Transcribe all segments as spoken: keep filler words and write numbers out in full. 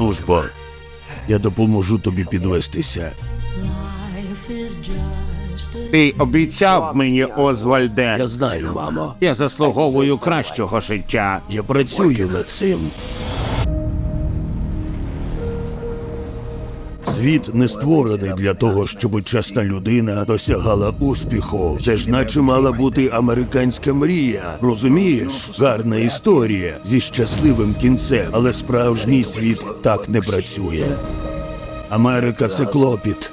Ну ж бо, я допоможу тобі підвестися. Ти обіцяв мені, Озвальде. Я знаю, мамо. Я заслуговую кращого життя. Я працюю над цим. Світ не створений для того, щоб чесна людина досягала успіху. Це ж наче мала бути американська мрія. Розумієш? Гарна історія зі щасливим кінцем. Але справжній світ так не працює. Америка – це клопіт.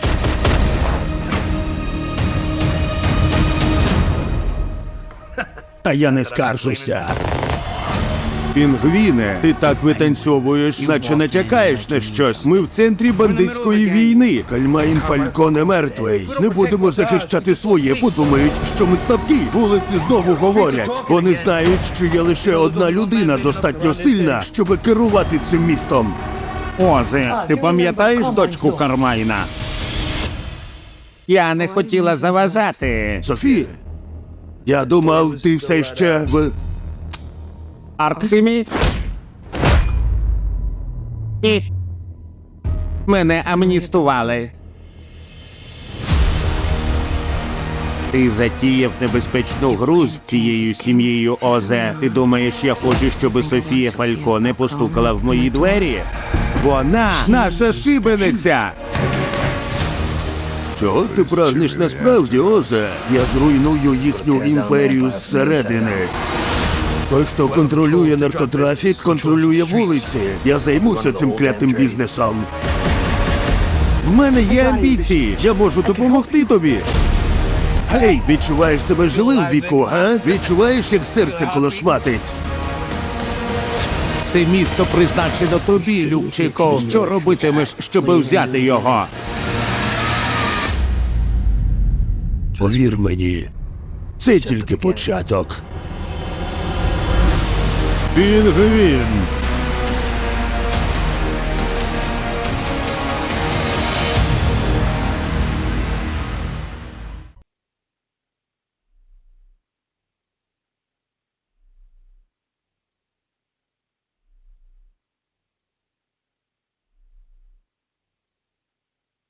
Та я не скаржуся. Пінгвіне, ти так витанцьовуєш, наче натякаєш на щось. Ми в центрі бандитської війни. Кальмаїн Фальконе мертвий. Не будемо захищати своє, подумають, що ми слабкі. Вулиці знову говорять. Вони знають, що є лише одна людина достатньо сильна, щоб керувати цим містом. Озе, ти пам'ятаєш дочку Кармайна? Я не хотіла заважати. Софія, я думав, ти все ще в... Артхемі? Ні. Мене амністували. Ти затіяв небезпечну гру з цією сім'єю, Озе. Ти думаєш, я хочу, щоб Софія Фальконе постукала в мої двері? Вона наша шибениця! Чого ти прагнеш насправді, Озе? Я зруйную їхню імперію зсередини. Той, хто контролює наркотрафік, контролює вулиці. Я займуся цим клятим бізнесом. В мене є амбіції. Я можу допомогти тобі. Гей, відчуваєш себе живим, Віку, га? Відчуваєш, як серце колошматить? Це місто призначено тобі, Любчику. Що робитимеш, щоб взяти його? Повір мені, це тільки початок. Пінгвін.